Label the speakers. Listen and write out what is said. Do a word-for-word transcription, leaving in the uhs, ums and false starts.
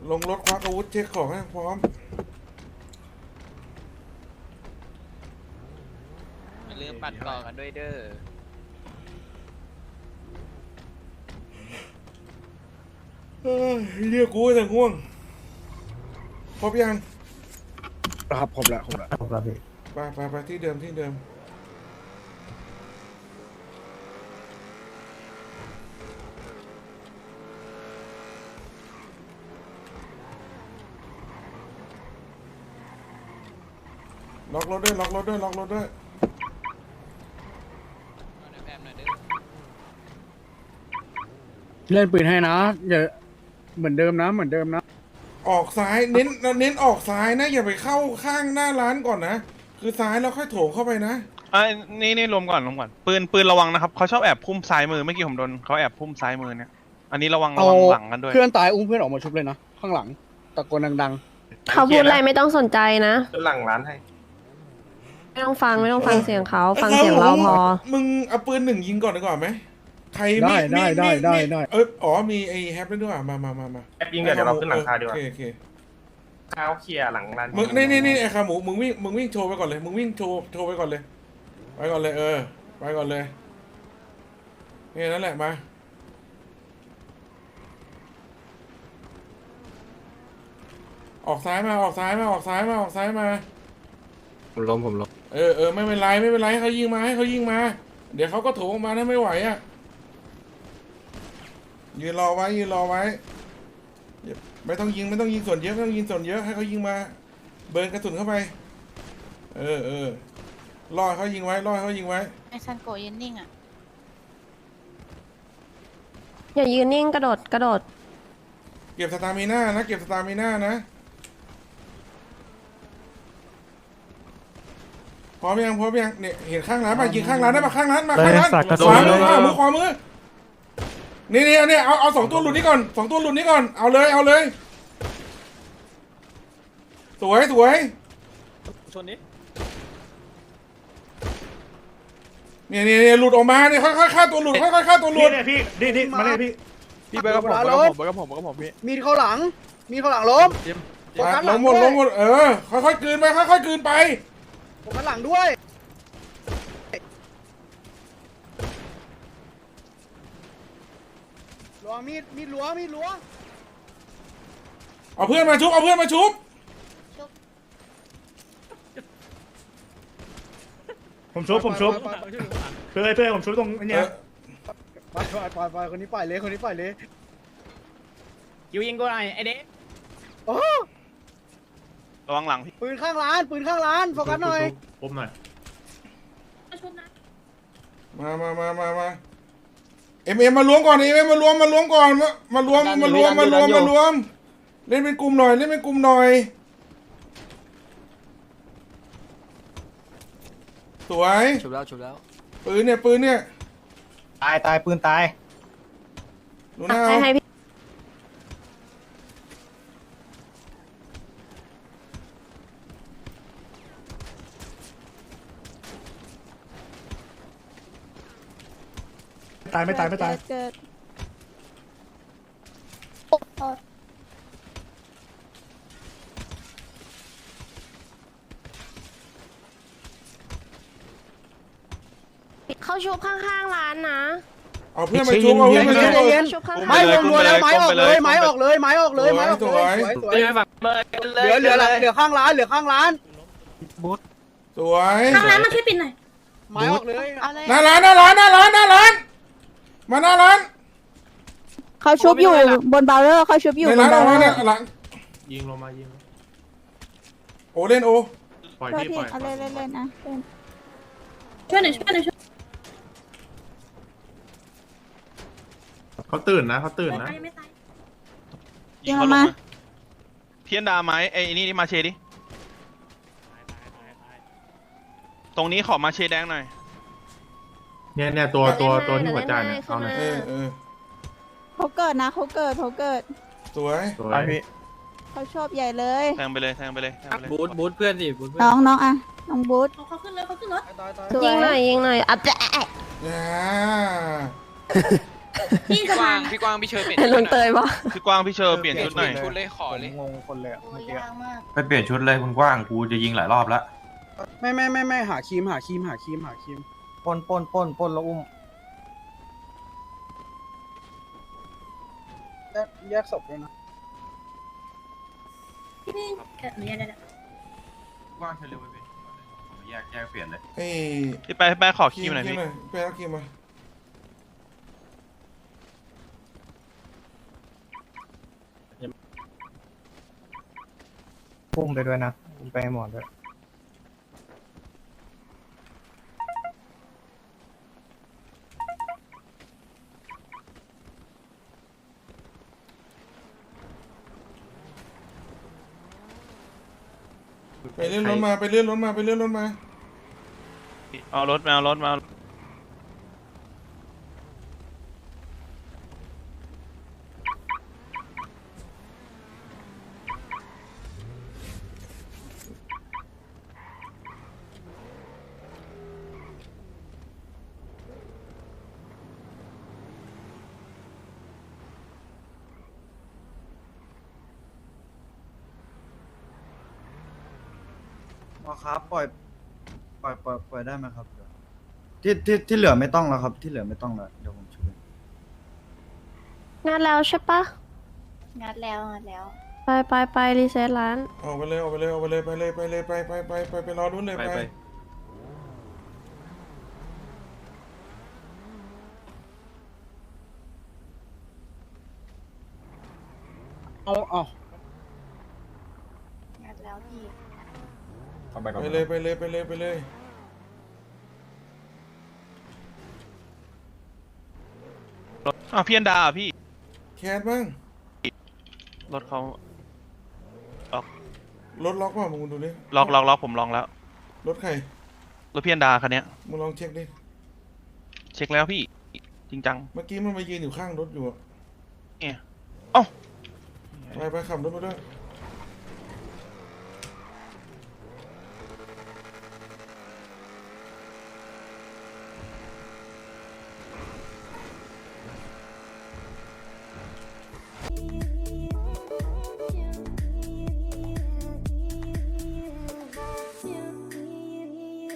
Speaker 1: ลงรถควักอาวุธเช็คของให้พร้อม
Speaker 2: อย่าลืมปัดก่อกันด้วยเด้อ
Speaker 1: เรียกกูแต่ง่วงครบยัง
Speaker 3: ครับครบแล้วครบแล้ว
Speaker 4: ครับพี่
Speaker 1: ไปไปไปที่เดิมที่เดิมล็อกรถด้วยล็อกรถด้วยล็อกรถด้วย
Speaker 2: เอาในแพมหน่อยเด้อ
Speaker 3: เล่นปืนให้นะอย่าเหมือนเดิมนะเหมือนเดิมนะ
Speaker 1: ออกซ้ายเน้นเน้นออกซ้ายนะอย่าไปเข้าข้างหน้าร้านก่อนนะคือซ้ายแล้วค่อยโถงเข้าไปนะ
Speaker 5: อ่ะนี่นี่รวมก่อนรวมก่อนปืนปืนระวังนะครับเขาชอบแอบพุ่มซ้ายมือเมื่อกี้ผมโดนเขาแอบพุ่มซ้ายมือเนี่ยอันนี้ระวังระ
Speaker 3: เอา
Speaker 5: วังหลังกันด้วย
Speaker 3: เพื่อนตายอุ้มเพื่อนออกมาชุบเลยนะข้างหลังตะโกนดัง
Speaker 6: เขาพูดอะไรไม่ต้องสนใจนะ
Speaker 4: จะหลังร้านให้
Speaker 6: ไม่ต้องฟังไม่ต้องฟังเสียงเขาฟังเสียงเราพอ
Speaker 1: มึงเอาปืนหนึ่งยิงก่อนดีกว่าไหมใคร
Speaker 3: ๆได้
Speaker 1: มี
Speaker 3: ได้
Speaker 1: มี
Speaker 3: ได้
Speaker 1: มี
Speaker 3: ได้
Speaker 1: มี
Speaker 3: ได้
Speaker 1: เอออ๋อมีไอ้แฮปด้วยด้วยมามามามา
Speaker 4: แอปยิงเดี๋ยวเราขึ้นหลังคาดีกว่า
Speaker 1: โอเคโอเค
Speaker 4: ข้าวเคลียร์หลังร้าน
Speaker 1: มึงนี่นี่นี่ไอ้ขาหมูมึงวิ่งมึงวิ่งโชว์ไปก่อนเลยมึงวิ่งโชว์โชว์ไปก่อนเลยไปก่อนเลยเออไปก่อนเลยนี่นั่นแหละมาออกซ้ายมาออกซ้ายมาออกซ้ายมาออกซ้ายมา
Speaker 4: ผมล้มผมล้ม
Speaker 1: เออเออไม่เป็นไรไม่เป็นไรให้เขายิงมาให้เขายิงมา เดี๋ยวเขาก็โถงออกมาถ้าไม่ไหวอ่ะยืนรอไว้ยืนรอไว้อย่าไม่ต้องยิงไม่ต้องยิงส่วนเยอะไม่ต้องยิงส่วนเยอะให้เขายิงมา เบิร์นกระสุนเข้าไปเออเออล่อให้เขายิงไว้ล่อให้เขายิงไว้
Speaker 7: ไอซันโกะยืนนิ่งอ่ะ
Speaker 6: อย่ายืนนิ่งกระโดดกระโดด
Speaker 1: เก็บสตามิน่านะเก็บสตามิน่านะพร้อมยังพร้อมยังเนี่ยเห็นข้างร้านป่ะยิงข้างร้านได้ป่ะข้างร้านมาข้างร้านขวามือขวามือขวามือนี่นี่เนี่ยเอาเอาสองตัวหลุดนี้ก่อนสองตัวหลุดนี้ก่อนเอาเลยเอาเลยสวยสวย
Speaker 2: ชนนี้
Speaker 1: เนี่ยเนี่ยเนี่ยหลุดออกมาเนี่ยค่อยๆฆ่าตัวหลุดค่อยๆฆ่าตัวหลุด
Speaker 3: พี่นี่นี่มาเลยพี่
Speaker 5: พี่ไปกับผมไปกับผมไปกับผมไปกับผมพี่
Speaker 3: มีเข้าหลัง มีเข้าหลังล้มโฟกัสห
Speaker 1: ล้
Speaker 3: ลั
Speaker 1: ม
Speaker 3: ง
Speaker 1: หมด
Speaker 3: ด้ว
Speaker 1: ล้
Speaker 3: ย
Speaker 1: มหมดเออค่อยๆกลืนไปค่อยๆกลืนไป
Speaker 3: โฟกัสหลังด้วยล้วงมีดมีดล้วงมีดล้วง
Speaker 1: เอาเพื่อนมาชุบเอาเพื่อนมาชุบ
Speaker 8: ผมชุบผมชุบเพื่อนเพื่อนผมชุบตรง
Speaker 1: เอ
Speaker 8: เนี้ย
Speaker 1: อ
Speaker 3: ไปไปไปไปคนนี้ปล่อยเลยคนนี้ปล่อยเลย
Speaker 2: ยิวยิงกูหน่อยไอเด็ก
Speaker 3: โอ้
Speaker 5: ระวังหลังพี่
Speaker 3: ปืนข้างร้านปืนข้างร้านโฟกัสหน่อย
Speaker 8: ผมหน่อย
Speaker 1: มามามามามาเอ็มเอ็มมารวมก่อนเอ็มเอ็มมารวมมารวมก่อนมามารวมมารวมมารวมมารวมเล่นเป็นกลุ่มหน่อยเล่นเป็นกลุ่มหน่อยสวย
Speaker 2: ชุบแล้วชุบแล้ว
Speaker 1: ปืนเนี่ยปืนเนี่ย
Speaker 4: ตายตายปืนตาย
Speaker 1: ดูหน้า
Speaker 6: ให้
Speaker 1: เอา
Speaker 6: ให้พี่
Speaker 8: ตายไม่ตายไม่ตาย
Speaker 7: เกิด
Speaker 6: เขาชุบข้างๆร้านนะ
Speaker 1: เอาเพื่อนมาชุบเอาเพื่อนมาชุบเอา
Speaker 3: เย็น
Speaker 6: ชุบข้าง
Speaker 3: ไม้วงรัวแล้วไม้ออกเลยไม้ออกเลยไม้ออกเลยไม้ออก
Speaker 1: ส
Speaker 3: เล
Speaker 1: วย
Speaker 3: ยสวยสวย
Speaker 2: ไม่ฝังเลย
Speaker 3: เหลือเหลือเหลือข้างร้านเหลือข้างร้าน
Speaker 1: สวย
Speaker 7: ทางร้านมาช่วยปิดหน่อย
Speaker 3: ไม้ออกเลย
Speaker 7: เอาเลย
Speaker 1: หน้าร้านหน้าร้านหน้าร้านหน้าร้านมาหน้าร้าน
Speaker 7: เขาชุบอยู่บนบาร์เรอร์เขาชุบอยู่
Speaker 1: ใน
Speaker 7: บ
Speaker 1: ร้าน น
Speaker 7: บา
Speaker 1: ออก
Speaker 7: ร์เร
Speaker 1: มา
Speaker 7: อ
Speaker 1: เนี่ย
Speaker 7: ร์
Speaker 1: หลัง
Speaker 8: ยิงลงมายิง
Speaker 1: โอเล่นโอ
Speaker 8: ปล่อย
Speaker 7: โทษ
Speaker 8: พี่
Speaker 7: ที
Speaker 8: ปล่อย
Speaker 7: เอาเลยเลยเลยนะช่วยหน่อยช่วยหน่อยช่วย
Speaker 8: เขาตื่นนะเขาตื่นนะ
Speaker 7: ไม่ตาย
Speaker 5: ยิงเขาลงมาเทียนดาไม้ไอ้นี่นี่มาเชดิตรงนี้ขอมาเชแดงหน่อย
Speaker 8: เนี่ยเนี่ยตัวตัวตัวที่หัวใจเนี่ยเอาหน่อย
Speaker 1: เออเออ
Speaker 7: เขาเกิดนะเขาเกิดเขาเกิด
Speaker 1: สวย
Speaker 8: สวยพี่
Speaker 7: เขาชอบใหญ่เลย
Speaker 5: แทงไปเลยแทงไปเลยแทงไปเลย
Speaker 2: บูทบูทเพื่อนสิบูทเพื่อน
Speaker 7: น้องน้องอ่ะน้องบูธ
Speaker 3: เขาขึ้นเลยเขาขึ้นรถ
Speaker 6: ยิงหน่อยยิงหน่อยอับแะ
Speaker 1: อ่า
Speaker 9: พี่กวางพี่กวางพี่เชยเปลี่ยน
Speaker 6: เห็นลุงเตยปะ
Speaker 5: พี่กวางพี่เชอร์เปลี่ยนชุดหน่อย
Speaker 9: ชุดเลยขอเลย
Speaker 4: งงคนเลยอะ
Speaker 9: โอ้
Speaker 4: เมื่
Speaker 9: ย
Speaker 4: อกี้
Speaker 9: ยากมาก
Speaker 10: ไปเปลี่ยนชุดเลยคุณกว้างกูจะยิงหลายรอบแล้ว
Speaker 3: ไม่ไม่ไม่ไม่หาครีมหาครีมหาครีมหาครีม
Speaker 4: ปนปนปนปนแล้วอุ้ม
Speaker 3: แยกแยกศพด้วยนะ
Speaker 9: พี่เกิดหนูยังไงเนี่ย
Speaker 10: กว้างเฉลี่ยไปเปลี่ยนผมแยกแยกเปลี่ยนเลย
Speaker 1: ไอ้
Speaker 5: พี่ไปพี่ไปขอคีมหน่อยพี่
Speaker 1: ไปเอาครีมมา
Speaker 4: อุ้มไปด้วยนะอุ้มไปให้หมอด้วย
Speaker 1: ไปเลื่อนรถมาไปเลื่อนรถมาไปเลื่อนรถมา
Speaker 5: เอารถมาเอารถมา
Speaker 11: อ๋อครับปล่อยปล่อยปล่อยปล่อยได้ไหมครับที่ที่ที่เหลือไม่ต้องแล้วครับ ที่เหลือไม่ต้องแล้วเดี๋ยวผมช่วย
Speaker 6: งานแล้วใช่ปะ
Speaker 9: งัดแล้วงัดแล้ว
Speaker 6: ไปไปไปรีเซ็ตร้าน
Speaker 1: ออกไปเลยออกไปเลยออกไปเลยไปเลยไปเลยไปไปไปไปไปรอรุ่นเลยไป
Speaker 3: เอาเอา
Speaker 9: งัดแล้วพี่
Speaker 1: ไปเลยไปเลยไปเลยไปเลย
Speaker 5: รถอ้าวพี่อันดาอ่ะพี่
Speaker 1: แคสบ้าง
Speaker 5: รถเขา
Speaker 1: รถล็อกเปล่ะมึงดูดิ
Speaker 5: ล็อกล็อกล็อกผมลองแล้ว
Speaker 1: รถใคร
Speaker 5: รถพี่อันดาคันเนี้ย
Speaker 1: มึงลองเช็คดิ
Speaker 5: เช็คแล้วพี่จริงจัง
Speaker 1: เมื่อกี้มันมายืนอยู่ข้างรถอยู่อะ
Speaker 5: เนี่ยเอ้า
Speaker 1: ไปไปขับรถมาด้วย